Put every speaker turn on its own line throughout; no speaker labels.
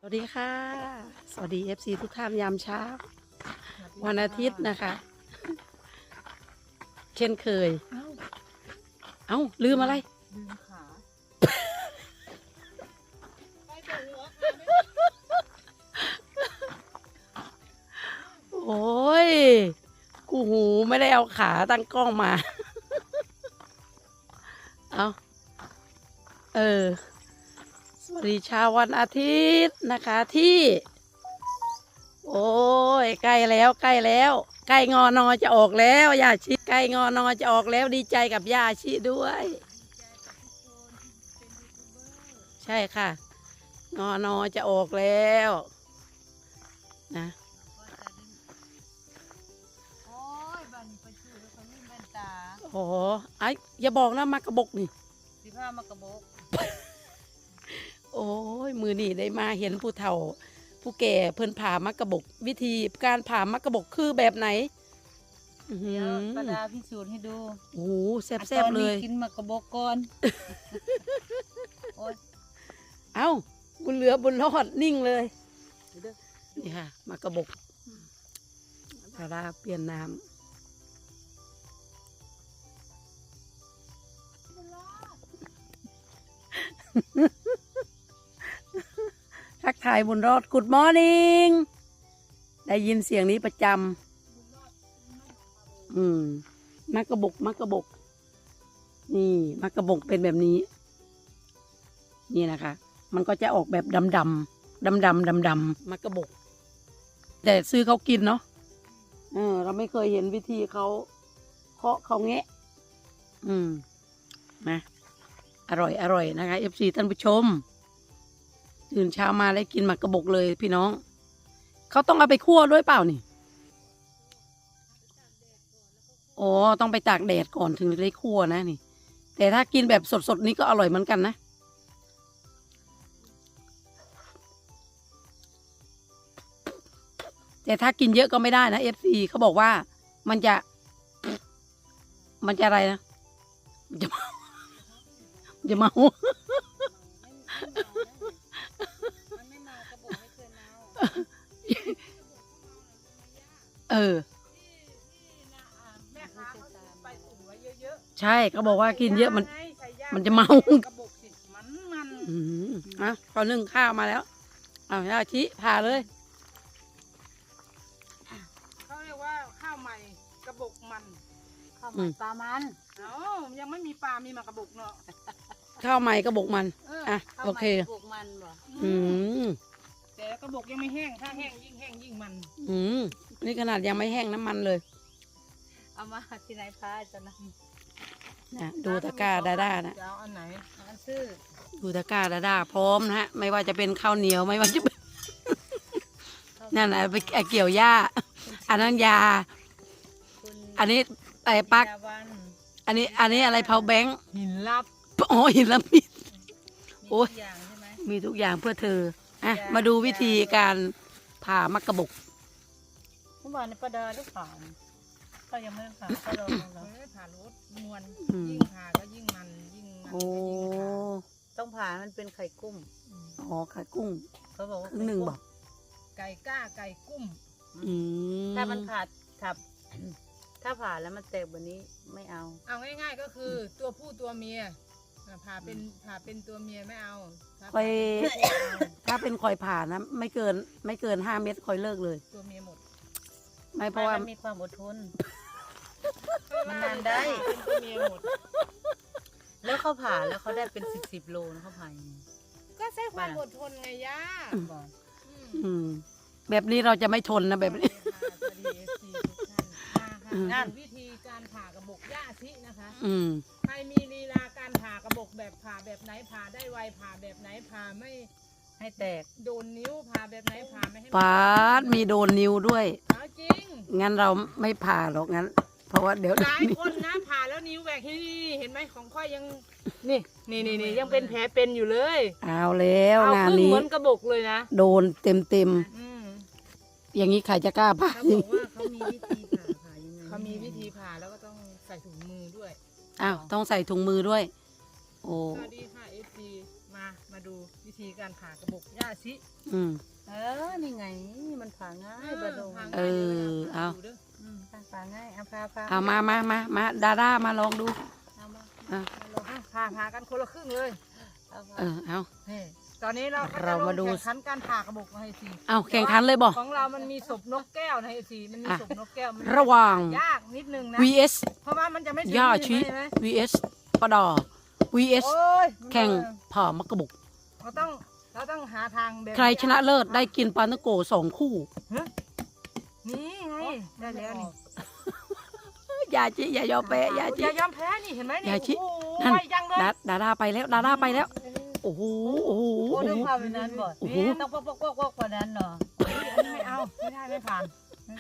วัสดีค่ะสวัสดี FC ทุกท่านยามเช้าวันอาทิตย์นะคะ เช่นเคย เอ้าลืมอะไร
ลืมขา
โอ้ยกูหูไม่ได้เอาขาตั้งกล้องมา เอาสวัสดีเช้าวันอาทิตย์นะคะที่ โอ้ยใกล้แล้วใกล้แล้วใกล้งอนอจะออกแล้วย่าชิใกล้งอนอจะออกแล้วดีใจกับย่าชิด้วย ใช่ค่ะงอนอจะออกแล้วนะ
โอ้ยบันไปชื่อแล้วเขาลืมแว่นตา
โอ้ไอ้อย่าบอกนะมากระบกนี่
สิผ้ามากระบอก
โอ้ยมือนี่ได้มาเห็นผู้เฒ่า ผู้แก่เพิ่นผ่ามากระบกวิธีการผ่ามากระบกคือแบบไหน
เดี๋ยวประดาพิสูจน์ให้ดู
โอ้แซ่บๆเลย
กินมากระบอกก่อนโอ้ย
เอ้าบุญเหลือบุญรอดนิ่งเลยนี่ค่ะมากระบกดาราเปลี่ยนน้ำทักทายบุญรอด Good morning ได้ยินเสียงนี้ประจำมากระบกมากระบกนี่มากระบกเป็นแบบนี้ นี่นะคะ มันก็จะออกแบบดำมากระบก แต่ซื้อเขากินเนาะเราไม่เคยเห็นวิธีเขาเคาะเขาแงะนะอร่อยนะคะ FC ท่านผู้ชมตื่นเช้ามาแล้วกินหมากกระบกเลยพี่น้องเขาต้องเอาไปคั่วด้วยเปล่านี่อ๋อต้องไปตากแดดก่อนถึงจะได้คั่วนะนี่แต่ถ้ากินแบบสดๆนี้ก็อร่อยเหมือนกันนะแต่ถ้ากินเยอะก็ไม่ได้นะ FC เขาบอกว่ามันจะอะไรนะมันจะเมา
มันไม่มากระบอกไม่เคยเมาแม่ค้าเขาไปถุงไว้เยอะ
ใช่เขาบอกว่ากินเยอะมันจะเมาก
ระบอกสิมัน
เขานึ่งข้าวมาแล้วเอาย่าชิพาเลย
เขาเรียกว่าข้าวใหม่กระบอกมันข้าวใหม่ปลามันยังไม่มีปลามีมากระบอกเนาะ
ข้าวใหม่กระบอกมันโอเค
กระบอกมันบ่แต่กระบอกยังไม่แห้งถ้าแห้งยิ่งมัน
นี่ขนาดยังไม่แห้งน้ำมันเลย
เอามาที่ไหนพาจะน
ำดูตะกร้าดาด้านะ
เอาอันไหนอันซื้อ
ดูตะกร้าดาด้าพร้อมนะฮะไม่ว่าจะเป็นข้าวเหนียวไม่ว่าจะเป็นนั่นไปเกี่ยวหญ้าอันนั้นยาอันนี้ไอ้ปักอันนี้อะไรเผาแบงค์
หินลับ
อ๋อหินลับมีโอ้ย
อย่างใช่ไหม
มีทุกอย่างเพื่อเธอมาดูวิธีการผ่ามักกะบก
เมื่อวานในประดาลูกผ่าก็ยังไม่ได้ผ่าก็รอผ่ารถมวนยิ่งผ่าก็ยิ่งมัน
โอ้
ต้องผ่ามันเป็นไข่กุ้ง
อ๋อไข่กุ้ง
เขาบอกว่า
1บอก
ไก่ก้าไก่กุ้งถ้ามันผ่าถ้าผ่าแล้วมันแตกแบบนี้ไม่เอาง่ายๆก็คือตัวผู้ตัวเมียผ่าเป็นตัวเมียไม่เอา
คอยถ้าเป็นคอยผ่านะไม่เกิน5 เม็ดคอยเลิกเลย
ตัวเมียหมด
ไม่เพราะว่า
มีความอดทนมันนานได้เป็นตัวเมียหมดแล้วเขาผ่าแล้วเขาได้เป็น10 โลนะเขาผ่าก็ใช้ความอดทนไงย่า
แบบนี้เราจะไม่ทนนะแบบนี้
นั่นวิธีการผ่ากระบอกย่าชินะคะใครมีลีลาการผ่ากระบอกแบบผ่าแบบไหนผ่าได้ไวผ่าแบบไหนผ่าไม่ให้แตกโดนนิ้วผ่าแบบไหนผ่าไม่ให้
ปาดมีโดนนิ้วด้วย
จริง
งั้นเราไม่ผ่าหรอกงั้นเพราะว่าเดี๋ยว
หลายคนนะผ่าแล้วนิ้วแหวกที่เห็นไหมของค่อยยังนี่ยังเป็นแผลเป็นอยู่เลย
เอาแล้วงานนี้
เหมือนกระบอกเลยนะ
โดนเต็มอย่างนี้ใครจะกล้าผ่า
เขาบอกว่าเขามีวิธีผ่ายังไงเขามีวิธีผ่าแล้วก็ต้องใส่ถุงมือด้วย
ต้องใส่ถุงมือด้วยโอ้
สวัสดีค่ะ FC มามาดูวิธีการผ่ากระบอกย่าชิ
อืม
นี่ไงมันผ่าง่ายบะดง
เออเอา
ผ่าง่ายเอาพา
เอามาดาด้ามาลองดู
เอามา
อ่ะ
ผ่ากันคนละครึ่งเลย
เอา
นี่ตอนนี้เราก็
เรามาดู
แข่งขันการผ่ากระบอกให้สิ
เอาแข่งขันเลยบ่
ของเรามันมีศพนกแก้วนะไอ้สิมันมีศพนกแก้วมัน
ระหว่าง
ยากนิดนึงนะ
vs
เพราะว่ามันจะไม่ถึง
ย่าชิ
ใช่ไหม
vs ปะดอ vs
โอ้ย
แข่งผ่ามะกระบุก
เราต้องหาทางแบบ
ใครชนะเลิศได้กินปลาตะโก2 คู่
นี่ไงได้แล้วนี่
อย่าจิอย่ายอมแพ้อย่าจิ
อย่ายอมแพ้นี่เห็นไหมนี่
อย่าชิ
โอ้
นั่น
ยยังเลย
ดาด้าไปแล้วโอ้โหโอ้โห
โอ้
โอ้
ด้วย
โห
ความเป็นนั้นบ่
โอ้โห
ต้องปกกว่านั้นเนาะ
อันนี้ไม่เอาไม่ได้ไม่ผ่าน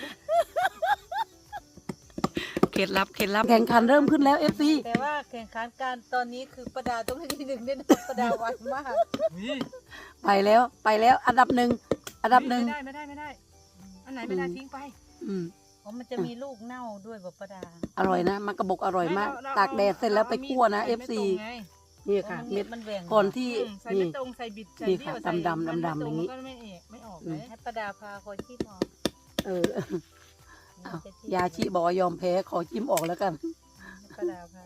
เคล็ดลับแข่งขันเริ่มขึ้นแล้ว FC
แต่ว่าแข่งขันการตอนนี้คือประดาต้องให้ที่หนึ่งเนี่ยประดาไวมาก
ไปแล้วอันดับหนึ่ง
ไม่ได้อันไหนไม่ได้ทิ้งไป
อืม
อ๋อมันจะมีลูกเน่าด้วยบ่ประดา
อร่อยนะมะกระบอกอร่อยมาก
เรา
ตากแดดเสร็จแล้วไปคั่วนะ
ใส่
FC
ไม่ตรงไง
นี่ค่ะ
เม็
เม็
ด
ด
มันแหว่ง
ก่อนที่
ใส่
นี่
ไม่ตรงใส่บิดใส่
นี่
เบี้ยว
ค่ะ
ใส่
ดำๆ
มันไม่
ดำๆ
ตร
อย่างนี้
มันก็ไม่ออก
อื
เล
ม
ย
ให้ประดาพาคอยที่มอง
เออยาชิบอกว่ายอมแพ้ขอจิ้มออกแล้วกัน
ประดาพา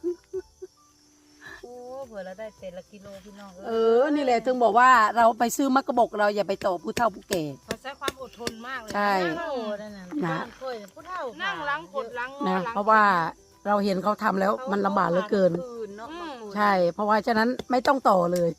โอ้เผื่อเราได้แต่ละกิโลพี่น้อง
นี่แหละถึงบอกว่าเราไปซื้อมะกระบอกเราอย่าไปต่อผู้เฒ่าผู้แก่
เราใช้ความอดทนมากเลย
ใช่
นั่ง
โอ้นั่นน่ะ
นะ
ค่อยผู้เฒ่า
นั่งล้างกดล้างงอ
นะ
ล้าง
เพราะว่าเราเห็นเขาทำแล้วมันลำบากเหลือเกิน
เนาะ
ใช่ เพราะว่าฉะนั้นไม่ต้องต่อเลย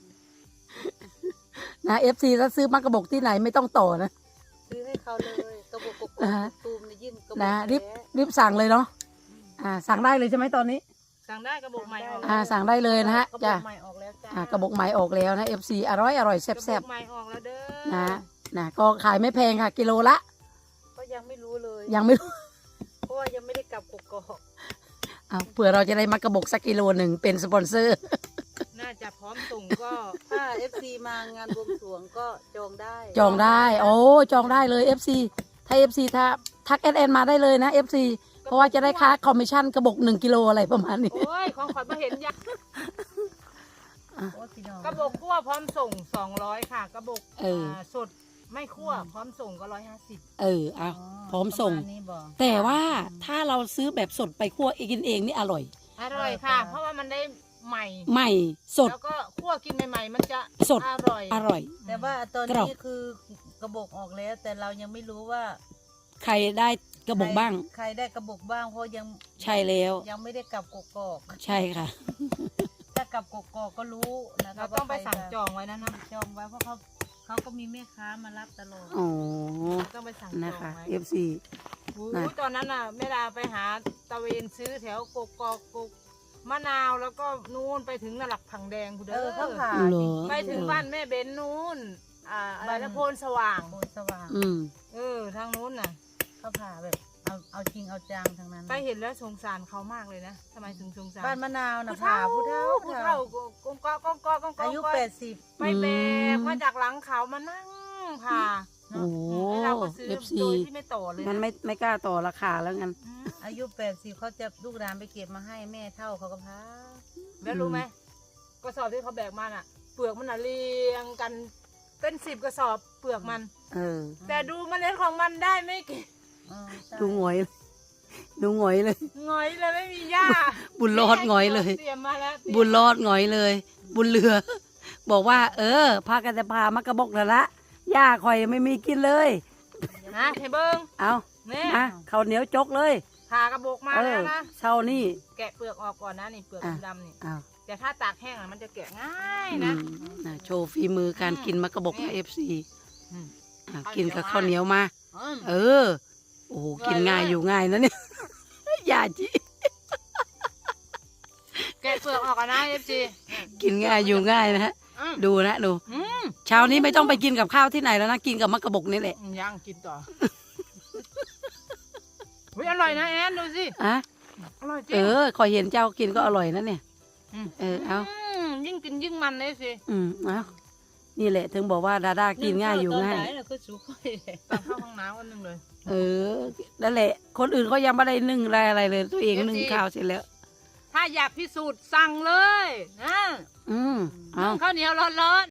นะ FC ถ้าซื้อมะกระบอกที่ไหนไม่ต้องต่อนะ
ซื้อให้เขาเลยกระบอกกบ
นะฮะ
ตูมเนี่ยยิ่งกระบอก
นะ
แท้
รีบสั่งเลยเนาะสั่งได้เลยใช่ไหมตอนนี้
สั่งได้กระบอกใหม่ออก
สั่งได้เลยนะฮะ
กระบ
จ้ะ
อกใหม่ออกแล้วจ้าก
ระบอกใหม่ออกแล้วนะ FC อร่อยแซ่
กระบอก
บ
ใหม่ออกแล้วเด้อ
ๆนะก็ขายไม่แพงค่ะ กิโลละ
ก็ยังไม่รู้เลย
ยังไม่รู้
เพราะว่ายังไม่ได้กลับกกอก
เผื่อเราจะได้มากระบอกสักกิโลหนึ่งเป็นสปอนเซอร์
น่าจะพร้อมส่งก็
ถ้า FC มางานบวงสรวงก็จองได้
จองได้ โอ้จองได้เลย FC ถ้า FC ถ้าทักแอดมาได้เลยนะ FC เพราะว่าจะได้ค่าคอมมิชชั่นกระบอก1 กิโลอะไรประมาณนี้
โอ้ยของขวัญมาเห็นยัง
โอ้พี่น้อง
กระบอกคั่วพร้อมส่ง200ค่ะกระบอก
เออ
สดไม่คั่วพร้อมส่งก็150
เอาพร้อมส่ง
ประาณนี้บอก
แต่ว่าถ้าเราซื้อแบบสดไปคั่วกินเองนี่อร่อย
อร่อยค่ะ เพราะว่ามันได้ใหม่
ใหม่สด
แล้วก็คั่วกินใหม่ๆมันจะ
สด
อร่อย
อร่อย
แต่ว่าตอน
กรอบ
นี้คือกระบอกออกแล้ว แต่เรายังไม่รู้ว่า
ใครได้กระบอกบ้าง
ใครได้กระบอกบ้างเพราะยัง
ใช่แล้ว
ยังไม่ได้กลับกกอก
ใช่ค่ะ
ถ้ากลับกกอกก็รู้นะค
เรา
รับ
ต้องไป
ว่าใคร
สั่งจองไว้นะนะ
จองไว้เพราะเขาก็มีแม่ค้ามารับตลอด
อ๋อ
ต้องไปสั่งจ
นะ
อง
คะ
ไว้
FC
อู้
นะ
ตอนนั้นน่ะแม่ดาไปหาตะเวนซื้อแถวกกอกกมะนาวแล้วก็นู่นไปถึงนหลักผังแดงคุณเด้
เขา
อ
ผ่า
เหรอ
จริงๆ
ไปถึงบ้านแม่เบนนู่นอะไรนะโพนสว่าง
โพนสว่าง
อืม
ทางนู้นน่ะ
เขาผ่าแบบเอาจริงเอาจังทั้งนั้น
ไปเห็นแล้วสงสารเขามากเลยนะทำไมถึงสงสาร
บ้านมะนาวนะ
ผู้
ผ่า
เฒ่า
ผู้เฒ่า
ผู้เฒ่ากงกอกงกอกงก
อายุ 80
ไปแบกมาจากหลังเขามานั่งผ่า
โอ้โห
ให้เราก็ซื้อ
FC
โดยที่ไม่ต่อเลย
มัน
นะ
ไม่กล้าต่อราคาแล้วงั้น
อืม
อายุ80เขาจะลูกหลานไปเก็บมาให้แม่เท่าเขาก็พา
แล้วรู้ไหมกระสอบที่เขาแบกมาน่ะ เปลือกมันน่ะเรียงกันเป็น10 กระสอบเปลือกมัน แต่ดูเมล็ดของมันได้ไม่กี่
ดูหงอยเลย
หงอยเลยไม่มีหญ้า
บุญรอดหงอยเลย
เตรียมมาแล้ว
บุญรอดหงอยเลย บุญเรือ บอกว่า พากันจะพามากระบอกแล้วละย่าคอยไม่มีกินเลย
นะเทเบิง
เอา
เนี่ย
ข้าวเหนียวจกเลย
ผ่ากระบอกมาแล้วนะ
เช้านี่
แกะเปลือกออกก่อนนะนี่เปลือก
อ่ะ
ดำๆนี่
เอา
แต่ถ้าตากแห้งอะมันจะแกะง่าย
อื
นะ
มโชว์ฝีมือการกินมากระบอกใน FC
อืม
กินกับข้าวเหนียวมา
อืม
โอ้โหกินง่ายอยู่ง่ายนะเนี่ย อย่าจี
แกะเปลือกออกก่อนนะเอฟซี
กินง่ายอยู่ง่ายนะฮะ ดูนะดู เช้านี้ไม่ต้องไปกินกับข้าวที่ไหนแล้วนะ กินกับมะกระบอกนี่แหละ
ย่างกินต่อวิอร่อยนะแอนดูสิ
อ่ะ
อร่อยจริง
คอยเห็นเจ้ากินก็อร่อยนะเนี่ย
ม
เอา
ยิ่งกินยิ่งมันเลยสิ
เอานี่แหละ ถึงบอกว่าดาด้ากินง่ายอยู่ง่าย
ตนไหนน่ะก็สุกเลย
ตอนเข้าห้องน้ำวันหนึ่งเลย
นั่นแหละ คนอื่นเขายังไม่ได้นึ่งอะไรเลย ตัวเองนึ่งข้าวเสร็จแล้ว
ถ้าถ้าอยากพิสูจน์สั่งเลยนะ
อืมเอา
ข้าวเหนียวร้อน